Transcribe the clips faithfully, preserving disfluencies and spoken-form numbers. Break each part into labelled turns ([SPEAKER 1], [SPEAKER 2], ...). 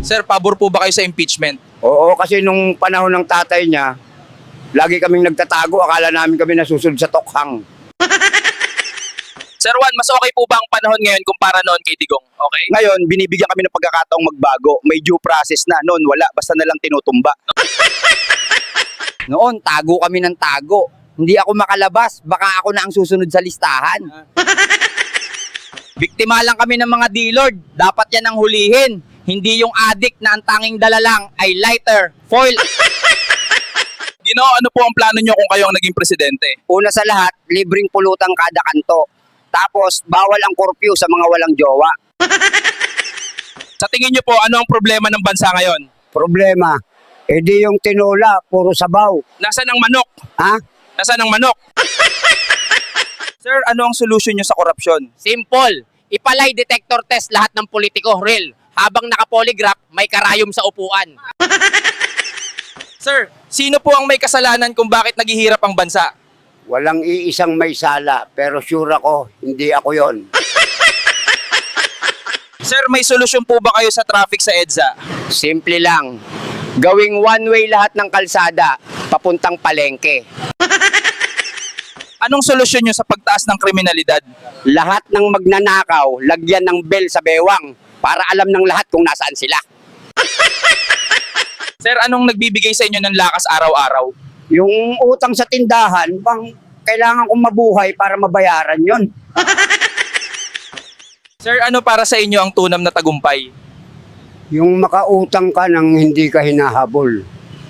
[SPEAKER 1] Sir, pabor po ba kayo sa impeachment?
[SPEAKER 2] Oo, kasi nung panahon ng tatay niya, lagi kaming nagtatago. Akala namin kami nasusunod sa tokhang.
[SPEAKER 1] Sir Juan, mas okay po ba ang panahon ngayon kumpara noon kay Digong? Okay?
[SPEAKER 2] Ngayon, binibigyan kami ng pagkakataong magbago. May due process na. Noon, wala. Basta na lang tinutumba. Noon, tago kami ng tago. Hindi ako makalabas. Baka ako na ang susunod sa listahan. Biktima lang kami ng mga D-Lord. Dapat yan ang hulihin. Hindi yung addict na ang tanging dala lang ay lighter, foil.
[SPEAKER 1] Gino, ano po ang plano nyo kung kayo ang naging presidente?
[SPEAKER 2] Una sa lahat, libreng pulutang kada kanto. Tapos, bawal ang curfew sa mga walang jowa.
[SPEAKER 1] Sa tingin nyo po, ano ang problema ng bansa ngayon?
[SPEAKER 2] Problema, edi yung tinola, puro sabaw.
[SPEAKER 1] Nasaan ang manok?
[SPEAKER 2] Ha?
[SPEAKER 1] Nasaan ang manok? Sir, ano ang solusyon nyo sa korupsyon?
[SPEAKER 3] Simple. Ipalay detector test lahat ng politiko, real. Habang naka-polygraph, may karayom sa upuan.
[SPEAKER 1] Sir, sino po ang may kasalanan kung bakit naghihirap ang bansa?
[SPEAKER 2] Walang iisang may sala, pero sure ako, hindi ako yon.
[SPEAKER 1] Sir, may solusyon po ba kayo sa traffic sa EDSA?
[SPEAKER 2] Simple lang. Gawing one-way lahat ng kalsada, papuntang palengke.
[SPEAKER 1] Anong solusyon nyo sa pagtaas ng kriminalidad?
[SPEAKER 2] Lahat ng magnanakaw, lagyan ng bell sa bewang para alam ng lahat kung nasaan sila.
[SPEAKER 1] Sir, anong nagbibigay sa inyo ng lakas araw-araw?
[SPEAKER 2] Yung utang sa tindahan, bang kailangan kong mabuhay para mabayaran yon.
[SPEAKER 1] Sir, ano para sa inyo ang tunam na tagumpay?
[SPEAKER 2] Yung makautang ka nang hindi ka hinahabol.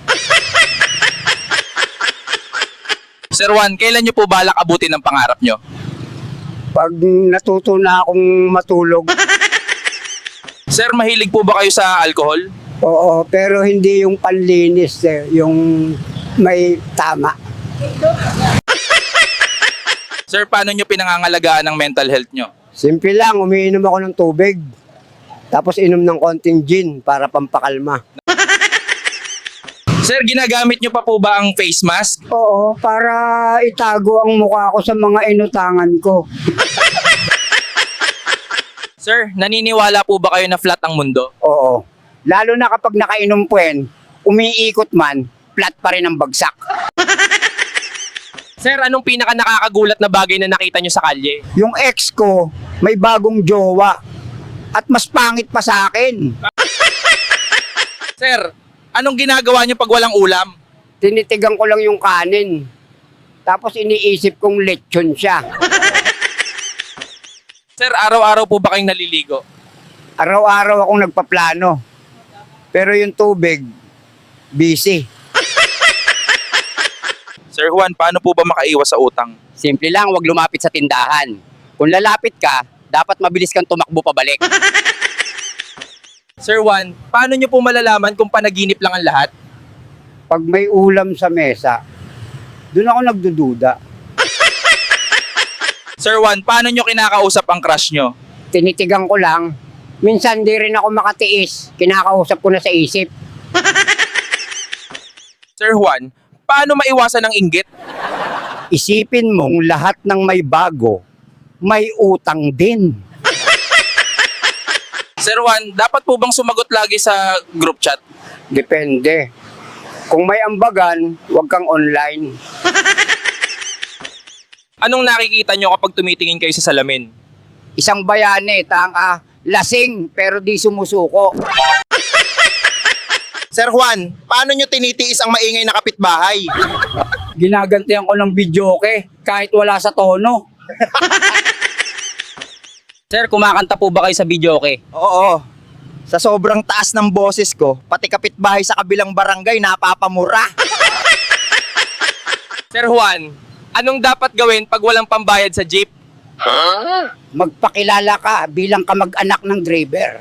[SPEAKER 1] Sir Juan, kailan nyo po balak abutin ang pangarap nyo?
[SPEAKER 2] Pag natuto na akong matulog,
[SPEAKER 1] Sir, mahilig po ba kayo sa alcohol?
[SPEAKER 2] oo, pero hindi yung panlinis, eh, yung may tama.
[SPEAKER 1] Sir, paano nyo pinangangalagaan ang mental health nyo?
[SPEAKER 2] Simple lang, umiinom ako ng tubig. Tapos inom ng konting gin para pampakalma.
[SPEAKER 1] Sir, ginagamit nyo pa po ba ang face mask?
[SPEAKER 2] Oo, para itago ang mukha ko sa mga inutangan ko.
[SPEAKER 1] Sir, naniniwala po ba kayo na flat ang mundo?
[SPEAKER 2] Oo. Lalo na kapag nakainom puwen, umiikot man, flat pa rin ang bagsak.
[SPEAKER 3] Sir, anong pinaka nakakagulat na bagay na nakita nyo sa kalye?
[SPEAKER 2] Yung ex ko, may bagong jowa. At mas pangit pa sa akin.
[SPEAKER 1] Sir, anong ginagawa nyo pag walang ulam?
[SPEAKER 2] Tinitigan ko lang yung kanin. Tapos iniisip kong lechon siya.
[SPEAKER 1] Sir, araw-araw po ba kayong naliligo?
[SPEAKER 2] Araw-araw akong nagpaplano. Pero yung tubig, busy.
[SPEAKER 1] Sir Juan, paano po ba makaiwas sa utang?
[SPEAKER 3] Simple lang, wag lumapit sa tindahan. Kung lalapit ka, dapat mabilis kang tumakbo pabalik.
[SPEAKER 1] Sir Juan, paano nyo po malalaman kung panaginip lang ang lahat?
[SPEAKER 2] Pag may ulam sa mesa, doon ako nagdududa.
[SPEAKER 1] Sir Juan, paano nyo kinakausap ang crush nyo?
[SPEAKER 2] Tinitigan ko lang. Minsan di rin ako makatiis. Kinakausap ko na sa isip.
[SPEAKER 1] Sir Juan, paano maiwasan ang inggit?
[SPEAKER 2] Isipin mong lahat ng may bago, may utang din.
[SPEAKER 1] Sir Juan, dapat po bang sumagot lagi sa group chat?
[SPEAKER 2] Depende. Kung may ambagan, huwag kang online.
[SPEAKER 1] Anong nakikita nyo kapag tumitingin kayo sa salamin?
[SPEAKER 2] Isang bayane, tanga, lasing pero di sumusuko.
[SPEAKER 1] Sir Juan, paano nyo tinitiis ang maingay na kapitbahay?
[SPEAKER 2] Ginagantihan ko ng videoke kahit wala sa tono.
[SPEAKER 3] Sir, kumakanta po ba kayo sa videoke?
[SPEAKER 4] Oo. Sa sobrang taas ng boses ko, pati kapitbahay sa kabilang barangay napapamura.
[SPEAKER 1] Sir Juan, anong dapat gawin pag walang pambayad sa jeep?
[SPEAKER 2] Magpakilala ka bilang kamag-anak ng driver.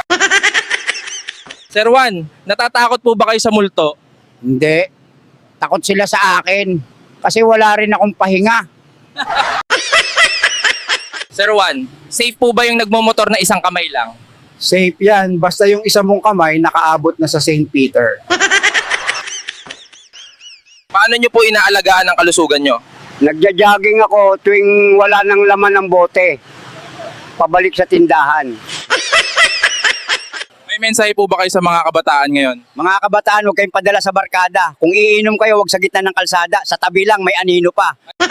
[SPEAKER 1] Sir Juan, natatakot po ba kayo sa multo?
[SPEAKER 2] Hindi. Takot sila sa akin kasi wala rin akong pahinga.
[SPEAKER 1] Sir Juan, safe po ba yung nagmomotor na isang kamay lang?
[SPEAKER 2] Safe yan, basta yung isa mong kamay nakaabot na sa Saint Peter.
[SPEAKER 1] Paano nyo po inaalagaan ang kalusugan nyo?
[SPEAKER 2] Nagja-jogging ako tuwing wala nang laman ng bote. Pabalik sa tindahan.
[SPEAKER 5] May mensahe po ba kayo sa mga kabataan ngayon?
[SPEAKER 2] Mga kabataan, huwag kayong padala sa barkada. Kung iinom kayo, huwag sa gitna ng kalsada. Sa tabi lang, may anino pa.